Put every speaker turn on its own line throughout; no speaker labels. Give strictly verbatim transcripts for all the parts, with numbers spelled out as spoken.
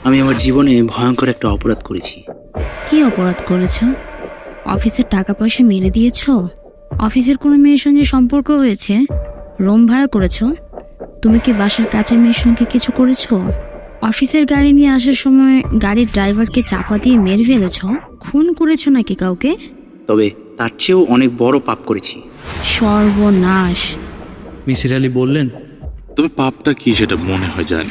আমি আমার জীবনে ভয়ঙ্কর একটা অপরাধ করেছি।
কি অপরাধ করেছো? অফিসের টাকা পয়সা মেরে দিয়েছো? অফিসের কোনো মেয়ের সঙ্গে সম্পর্ক হয়েছে? রুম ভাড়া করেছো? তুমি কি বাসার কাজের মেয়ের সঙ্গে কিছু করেছো? অফিসের গাড়ি নিয়ে আসার সময় গাড়ির ড্রাইভারকে চাপা দিয়ে মেরে ফেলেছো? খুন করেছো নাকি কাউকে?
তবে তার চেয়েও অনেক বড় পাপ করেছি।
সর্বনাশ!
মিসির আলী বললেন,
তবে পাপটা কি সেটা মনে হয় জানি।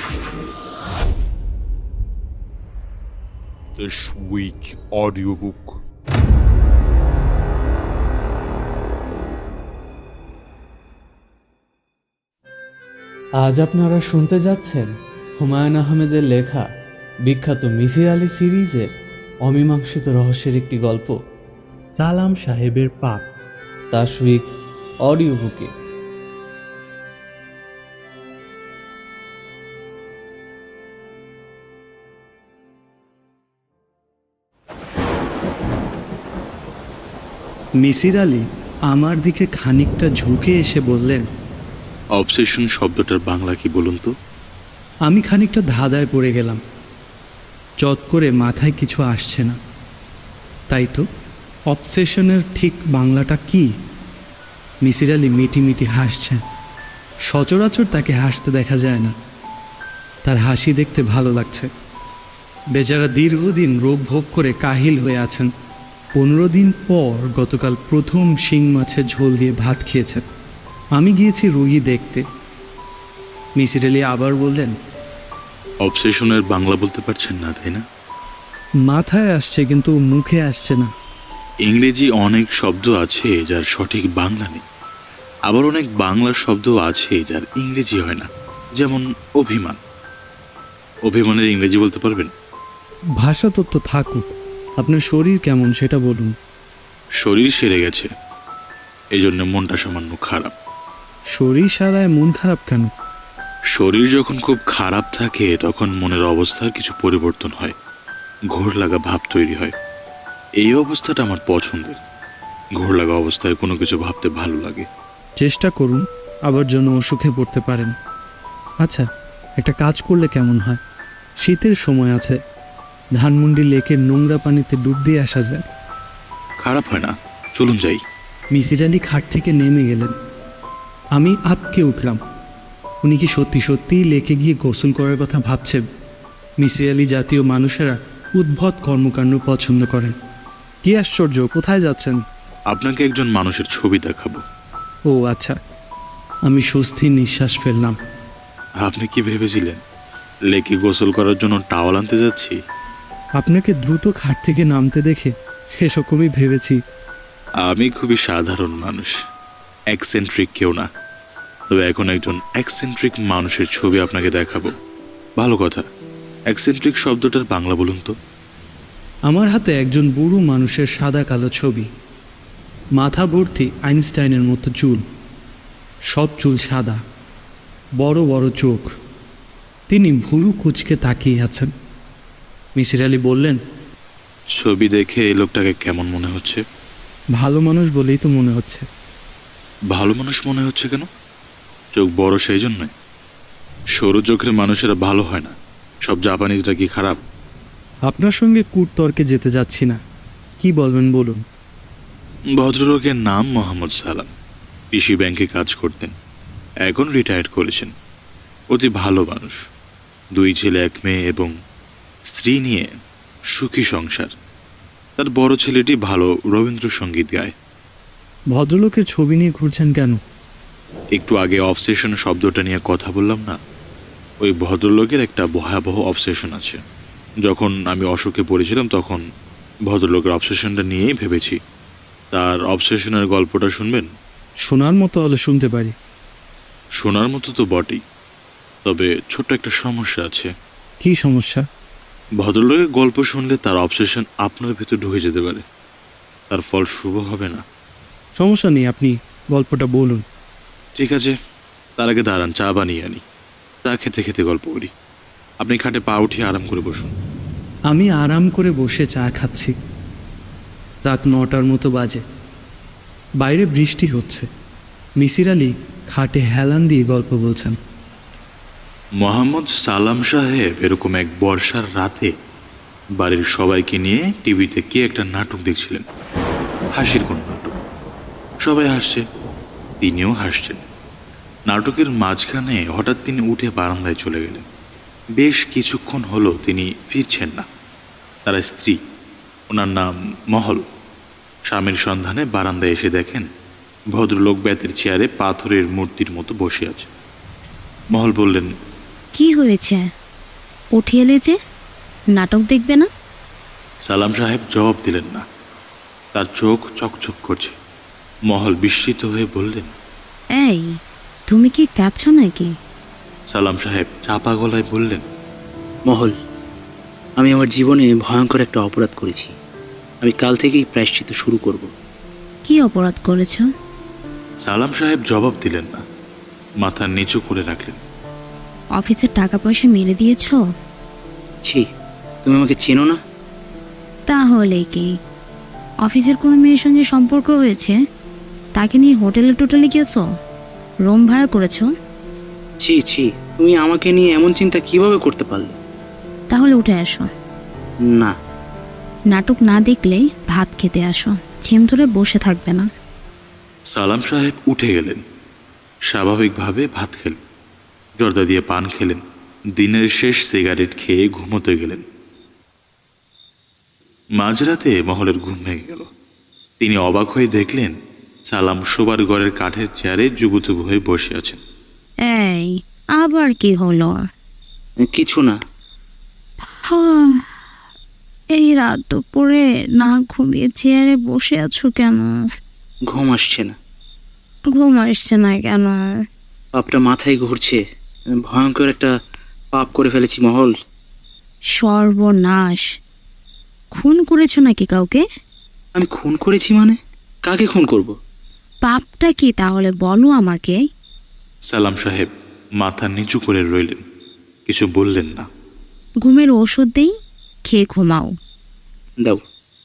This week audiobook.
আজ আপনারা শুনতে যাচ্ছেন হুমায়ুন আহমেদের লেখা বিখ্যাত মিসির আলী সিরিজের অমীমাংসিত রহস্যের একটি গল্প, সালাম সাহেবের পাপ, তাশউইক অডিও বুকে।
মিসির আলী আমার দিকে খানিকটা ঝুঁকে এসে বললেন,
অবসেশন শব্দটার বাংলা কি বলুন তো?
আমি খানিকটা ধাঁধায় পড়ে গেলাম। চট করে মাথায় কিছু আসছে না। তাই তো, অবসেশনের ঠিক বাংলাটা কি? মিসির আলী মিটি মিটি হাসছেন। সচরাচর তাকে হাসতে দেখা যায় না। তার হাসি দেখতে ভালো লাগছে। বেচারা দীর্ঘদিন রোগ ভোগ করে কাহিল হয়ে আছেন। পনেরো দিন পর গতকাল প্রথম শিং মাছের ঝোল দিয়ে ভাত খেয়েছেন। আমি গিয়েছি রুগী দেখতে। মিসির আলী আবার বললেন,
অবসেশনের বাংলা বলতে পারছেন না তাই না?
মাথায় আসছে কিন্তু মুখে আসছে না।
ইংরেজি অনেক শব্দ আছে যার সঠিক বাংলা নেই, আবার অনেক বাংলা শব্দ আছে যার ইংরেজি হয় না। যেমন অভিমান। অভিমানের ইংরেজি বলতে পারবেন?
ভাষা তত্ত্ব থাকুক, আপনার শরীর কেমন সেটা বলুন।
শরীর সেরে গেছে, এই জন্য মনটা সামান্য খারাপ।
শরীর সারায় মন খারাপ কেন?
শরীর যখন খুব খারাপ থাকে তখন মনের অবস্থার কিছু পরিবর্তন হয়, ঘোর লাগা ভাব তৈরি হয়। এই অবস্থাটা আমার পছন্দের। ঘোর লাগা অবস্থায় কোনো কিছু ভাবতে ভালো লাগে।
চেষ্টা করুন, আবার জন্য অসুখে পড়তে পারেন। আচ্ছা, একটা কাজ করলে কেমন হয়? শীতের সময় আছে, ধানমন্ডি লেকের নোংরা পানিতে ডুব দিয়ে আসা যায়।
খারাপ হয় না, চলুন যাই।
মিসির আলী খাট থেকে নেমে গেলেন। আমি আটকে উঠলাম। উনি কি সত্যি সত্যিই লেকে গিয়ে গোসল করার কথা ভাবছেন? মিসির আলী জাতীয় মানুষেরা উদ্ভট কর্মকাণ্ড পছন্দ করেন। কি আশ্চর্য, কোথায় যাচ্ছেন?
আপনাকে একজন মানুষের ছবি দেখাবো।
ও আচ্ছা, আমি স্বস্তির নিঃশ্বাস ফেললাম।
আপনি কি ভেবেছিলেন লেকে গোসল করার জন্য টাওয়াল আনতে যাচ্ছি?
আপনাকে দ্রুত খাট থেকে নামতে দেখে সেরকমই ভেবেছি।
আমি খুবই সাধারণ মানুষ, এক্সেন্ট্রিক কেউ না। তবে এখন একজন এক্সেন্ট্রিক মানুষের ছবি আপনাকে দেখাবো। ভালো কথা, এক্সেন্ট্রিক শব্দটার বাংলা বলুন তো?
আমার হাতে একজন বুড়ো মানুষের সাদা কালো ছবি। মাথা ভর্তি আইনস্টাইনের মতো চুল, সব চুল সাদা, বড় বড় চোখ। তিনি ভুরু কুঁচকে তাকিয়ে আছেন। মিসির আলী বললেন,
ছবি দেখে এই লোকটাকে কেমন মনে হচ্ছে?
ভালো মানুষ বলেই তো মনে হচ্ছে।
ভালো মানুষ মনে হচ্ছে কেন? চোখ বড় সেই জন্যই? সরু চোখের মানুষেরা ভালো হয় না। সব জাপানিজরা কি খারাপ?
আপনার সঙ্গে কূটতর্কে যেতে যাচ্ছি না, কি বলবেন বলুন।
ভদ্রলোকের নাম মোহাম্মদ সালাম। কৃষি ব্যাংকে কাজ করতেন, এখন রিটায়ার্ড করেছেন। অতি ভালো মানুষ। দুই ছেলে এক মেয়ে এবং স্ত্রী নিয়ে সুখী সংসার। তার বড় ছেলেটি ভালো রবীন্দ্রসঙ্গীত গায়।
ভদ্রলোকের ছবি নিয়ে ঘুরছেন কেন?
একটু আগে অবসেশন শব্দটা নিয়ে কথা বললাম না? ওই ভদ্রলোকের একটা ভয়াবহ অবসেশন আছে। যখন আমি অসুখে পড়েছিলাম তখন ভদ্রলোকের অবসেশনটা নিয়েই ভেবেছি। তার অবসেশনের গল্পটা শুনবেন?
শোনার মতো হলে শুনতে পারি।
শোনার মতো তো বটেই, তবে ছোট্ট একটা সমস্যা আছে।
কি সমস্যা?
ভদ্রলোকের গল্প শুনলে তার অবসেশন আপনার ভেতর ঢুকে যেতে পারে। তার ফল শুভ হবে না।
সমস্যা নেই, আপনি গল্পটা বলুন।
ঠিক আছে, তার আগে দাঁড়ান, চা বানিয়ে আনি। চা খেতে খেতে গল্প করি। আপনি খাটে পা উঠিয়ে আরাম করে বসুন।
আমি আরাম করে বসে চা খাচ্ছি। রাত নটার মতো বাজে। বাইরে বৃষ্টি হচ্ছে। মিসির আলী খাটে হেলান দিয়ে গল্প বলছেন।
মোহাম্মদ সালাম সাহেব এরকম এক বর্ষার রাতে বাড়ির সবাইকে নিয়ে টিভিতে কি একটা নাটক দেখছিলেন। হাসির কোন নাটক। সবাই হাসছে, তিনিও হাসছেন। নাটকের মাঝখানে হঠাৎ তিনি উঠে বারান্দায় চলে গেলেন। বেশ কিছুক্ষণ হলো তিনি ফিরছেন না। তার স্ত্রী, ওনার নাম মহল, স্বামীর সন্ধানে বারান্দায় এসে দেখেন ভদ্রলোক বেতের চেয়ারে পাথরের মূর্তির মতো বসে আছে। মহল বললেন,
কি হয়েছে? উঠে এলে যে, নাটক দেখবে না?
সালাম সাহেব জবাব দিলেন না। তার চোখ চকচক করছে। মহল বিস্মিত হয়ে বললেন,
এই, তুমি কি কাঁদছো নাকি?
সালাম সাহেব চাপা গলায় বললেন,
মহল, আমি আমার জীবনে ভয়ঙ্কর একটা অপরাধ করেছি। আমি কাল থেকেই প্রায়শ্চিত্ত শুরু করব।
কি অপরাধ করেছো?
সালাম সাহেব জবাব দিলেন না, মাথা নিচু করে রাখলেন।
অফিসের টাকা পয়সা মেরে দিয়েছো?
ছি, তুমি আমাকে চেনো না?
তাহলে কি অফিসের কোনো মেয়ের সঙ্গে সম্পর্ক হয়েছে? তাকে নিয়ে হোটেলে টোটেলে গেছো? রুম ভাড়া করেছো?
ছি ছি, তুমি আমাকে নিয়ে এমন চিন্তা কিভাবে করতে পারলে?
তাহলে উঠে আসো।
না।
নাটক না দেখলেই ভাত খেতে আসো, ছেম ধরে বসে থাকবে না।
সালাম সাহেব উঠে গেলেন। স্বাভাবিকভাবে ভাত খেলেন, জর্দা দিয়ে পান খেলেন, দিনের শেষ সিগারেট খেয়ে ঘুমোতে গেলেন। মাঝরাতে মহলের ঘুম ভেঙে গেল। তিনি অবাক হয়ে দেখলেন সালাম শোবার ঘরের কাঠের চেয়ারে জুবুথুবু হয়ে বসে আছেন।
এই, আবার কি হলো?
কিছু না।
হাহ, এই রাত দুপুরে না ঘুমিয়ে চেয়ারে বসে আছো কেন?
ঘুম আসছে না।
ঘুম আসছে না কেন?
পাপটা মাথায় ঘুরছে। ভয়ঙ্কর একটা পাপ করে ফেলেছি মহল।
সর্বনাশ! খুন করেছো নাকি কাউকে?
আমি খুন করেছি মানে? কাকে খুন করব?
পাপটা কি তাহলে বলো আমাকে।
সালাম সাহেব মাথা নিচু করে রইলেন, কিছু বললেন না।
ঘুমের ওষুধ দেই, খেয়ে ঘুমাও।
দাও।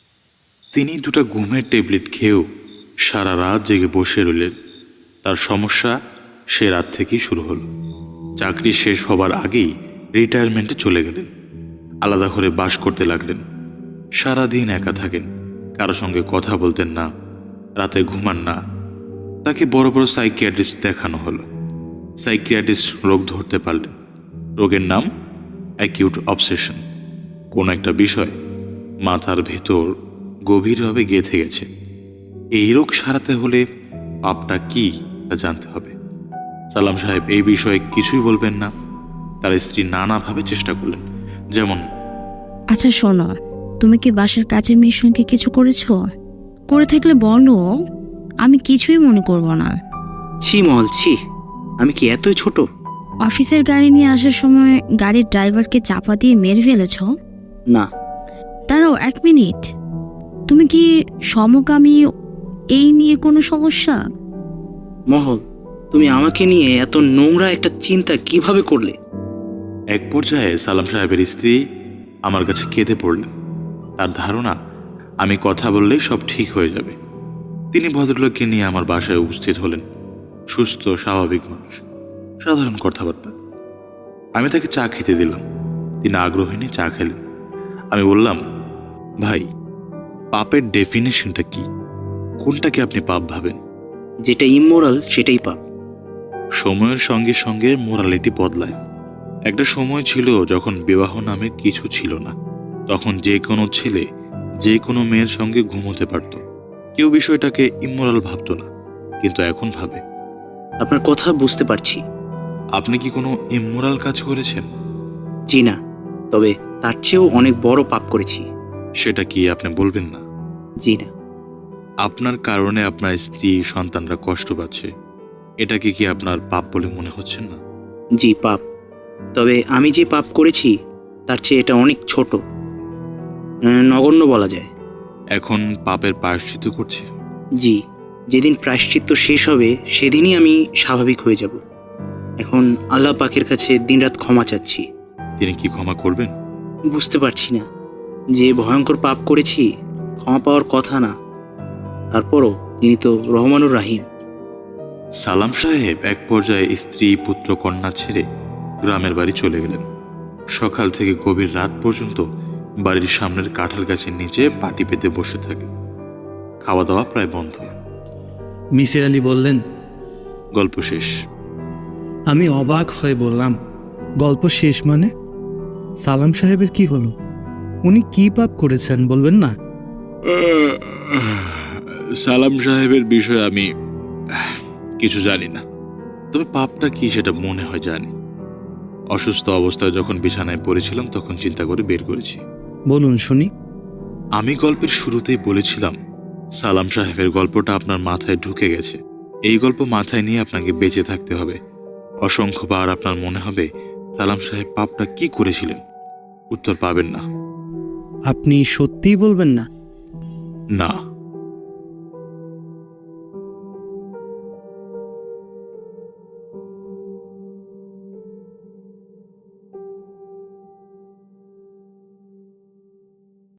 তিনি দুটো ঘুমের ট্যাবলেট খেয়েও সারা রাত জেগে বসে রইলেন। তার সমস্যা সে রাত থেকেই শুরু হলো। চাকরি শেষ হবার আগেই রিটায়ারমেন্টে চলে গেলেন। আলাদা করে বাস করতে লাগলেন। সারাদিন একা থাকেন, কারো সঙ্গে কথা বলতেন না, রাতে ঘুমান না। তাকে বড় বড় সাইকিয়াট্রিস্ট দেখানো হলো। সাইকিয়াট্রিস্ট রোগ ধরতে পারলেন। রোগের নাম অ্যাকিউট অবসেশন। কোনো একটা বিষয় মাথার ভেতর গভীরভাবে গেঁথে গেছে। এই রোগ সারাতে হলে পাপটা কি তা জানতে হবে। সালাম সাহেব এই বিষয়ে কিছুই বলবেন না। তার স্ত্রী নানাভাবে চেষ্টা করলেন, যেমন,
আচ্ছা শোনো, তুমি কি বাসার কাজের মেয়ের সঙ্গে কিছু করেছো? করে থাকলে বলো, আমি কিছুই মনে করব না।
ছি মহল, ছি। আমি কি এতই ছোট?
অফিসের গাড়ি নিয়ে আসার সময় গাড়ির ড্রাইভারকে চাপা দিয়ে মেরে ফেলেছো?
না।
দাঁড়াও এক মিনিট, তুমি কি সমকামী? এই নিয়ে কোনো সমস্যা?
মহল, তুমি আমাকে নিয়ে এত নোংরা একটা চিন্তা কিভাবে করলে?
এক পর্যায়ে সালাম সাহেবের স্ত্রী আমার কাছে কেঁদে পড়লেন। তার ধারণা আমি কথা বললেই সব ঠিক হয়ে যাবে। তিনি ভদ্রলোককে নিয়ে আমার বাসায় উপস্থিত হলেন। সুস্থ স্বাভাবিক মানুষ, সাধারণ কথাবার্তা। আমি তাকে চা খেতে দিলাম। তিনি আগ্রহী নিয়ে চা খেলেন। আমি বললাম, ভাই, পাপের ডেফিনেশনটা কি? কোনটাকে আপনি পাপ ভাবেন?
যেটা ইমোরাল সেটাই পাপ।
সময়ের সঙ্গে সঙ্গে মোরালিটি বদলায়। একটা সময় ছিল যখন বিবাহ নামে কিছু ছিল না। তখন যে কোনো ছেলে যে কোনো মেয়ের সঙ্গে ঘুমোতে পারত। কেউ বিষয়টাকে ইমোরাল ভাবত না, কিন্তু এখন ভাবে।
আপনার কথা বুঝতে পারছি।
আপনি কি কোনো ইমোরাল কাজ করেছেন?
জি না, তবে তার চেয়েও অনেক বড় পাপ করেছি।
সেটা কি আপনি বলবেন না?
জি না।
আপনার কারণে আপনার স্ত্রী সন্তানরা কষ্ট পাচ্ছে, এটাকে কি আপনার পাপ বলে মনে হচ্ছে না?
জি পাপ, তবে আমি যে পাপ করেছি তার চেয়ে এটা অনেক ছোট, উম, নগণ্য বলা যায়।
এখন পাপের প্রায়শ্চিত্ত করছি।
জি, যেদিন প্রায়শ্চিত্ত শেষ হবে সেদিনই আমি স্বাভাবিক হয়ে যাব। এখন আল্লাহ পাকের কাছে দিনরাত ক্ষমা চাচ্ছি।
তিনি কি ক্ষমা করবেন?
বুঝতে পারছি না, যে ভয়ঙ্কর পাপ করেছি ক্ষমা পাওয়ার কথা না, তারপরও তিনি তো রহমানুর রাহিম।
সালাম সাহেব এক পর্যায়ে স্ত্রী পুত্র কন্যা ছেড়ে গ্রামের বাড়ি চলে গেলেন। সকাল থেকে গভীর রাত পর্যন্ত বাড়ির সামনের কাঁঠাল গাছের নিচে পাটি পেতে বসে থাকে। খাওয়া দাওয়া প্রায় বন্ধ।
মিসির আলী বললেন,
গল্প শেষ।
আমি অবাক হয়ে বললাম, গল্প শেষ মানে? সালাম সাহেবের কি হলো? উনি কি পাপ করেছেন বলবেন না?
সালাম সাহেবের বিষয়ে আমি কিছু জানি না, তবে পাপটা কি সেটা মনে হয় জানি। অসুস্থ অবস্থায় যখন বিছানায় পড়েছিলাম তখন চিন্তা করে বের করেছি।
বলুন শুনি।
আমি গল্পের শুরুতেই বলেছিলাম সালাম সাহেবের গল্পটা আপনার মাথায় ঢুকে গেছে। এই গল্প মাথায় নিয়ে আপনাকে বেঁচে থাকতে হবে। অসংখ্যবার আপনার মনে হবে সালাম সাহেব পাপটা কি করেছিলেন, উত্তর পাবেন না।
আপনি সত্যিই বলবেন না?
না।